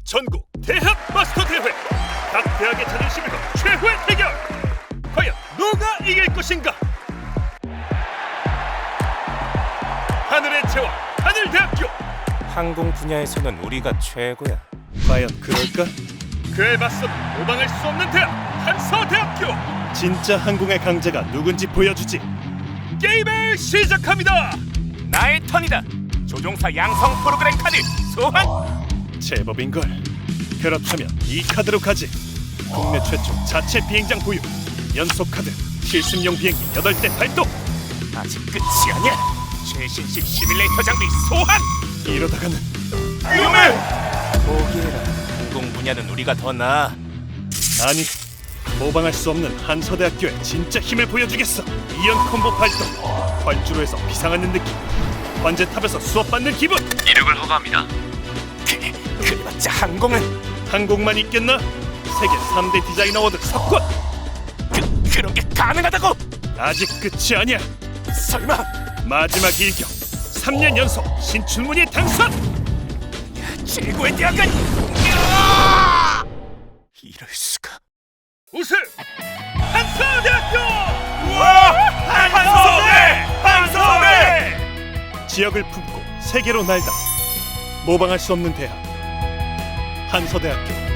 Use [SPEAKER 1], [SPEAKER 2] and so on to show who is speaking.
[SPEAKER 1] 전국 대학 마스터 대회. 각 대학의 자존심을 건 최후의 대결. 과연 누가 이길 것인가? 하늘의 제왕 하늘대학교.
[SPEAKER 2] 항공 분야에서는 우리가 최고야.
[SPEAKER 1] 과연 그럴까? 그에 맞서 도망할 수 없는 대학 한서대학교. 진짜 항공의 강자가 누군지 보여주지. 게임을 시작합니다.
[SPEAKER 2] 나의 턴이다. 조종사 양성 프로그램 카드 소환.
[SPEAKER 1] 제법인걸. 그렇다면 이 카드로 가지. 국내 최초 자체 비행장 보유. 연속 카드 실습용 비행기 8대 발동.
[SPEAKER 2] 아직 끝이 아니야. 최신식 시뮬레이터 장비 소환.
[SPEAKER 1] 이러다가는 위험해.
[SPEAKER 2] 포기해라. 항공 분야는 우리가 더 나아.
[SPEAKER 1] 아니, 모방할 수 없는 한서대학교의 진짜 힘을 보여주겠어. 이연 콤보 발동. 활주로에서 비상하는 느낌. 관제탑에서 수업받는 기분.
[SPEAKER 2] 이륙을 허가합니다. 그래봤자 항공은
[SPEAKER 1] 항공만 있겠나? 세계 3대 디자인 어워드 석권.
[SPEAKER 2] 그런 게 가능하다고?
[SPEAKER 1] 아직 끝이 아니야.
[SPEAKER 2] 설마
[SPEAKER 1] 마지막 일격 3년 연속 신춘문예 당선.
[SPEAKER 2] 최고의 대학은 이럴 수가.
[SPEAKER 1] 우승 한서대학교.
[SPEAKER 2] 우와! 한서대!
[SPEAKER 1] 지역을 품고 세계로 날다. 모방할 수 없는 대학 한서대학교.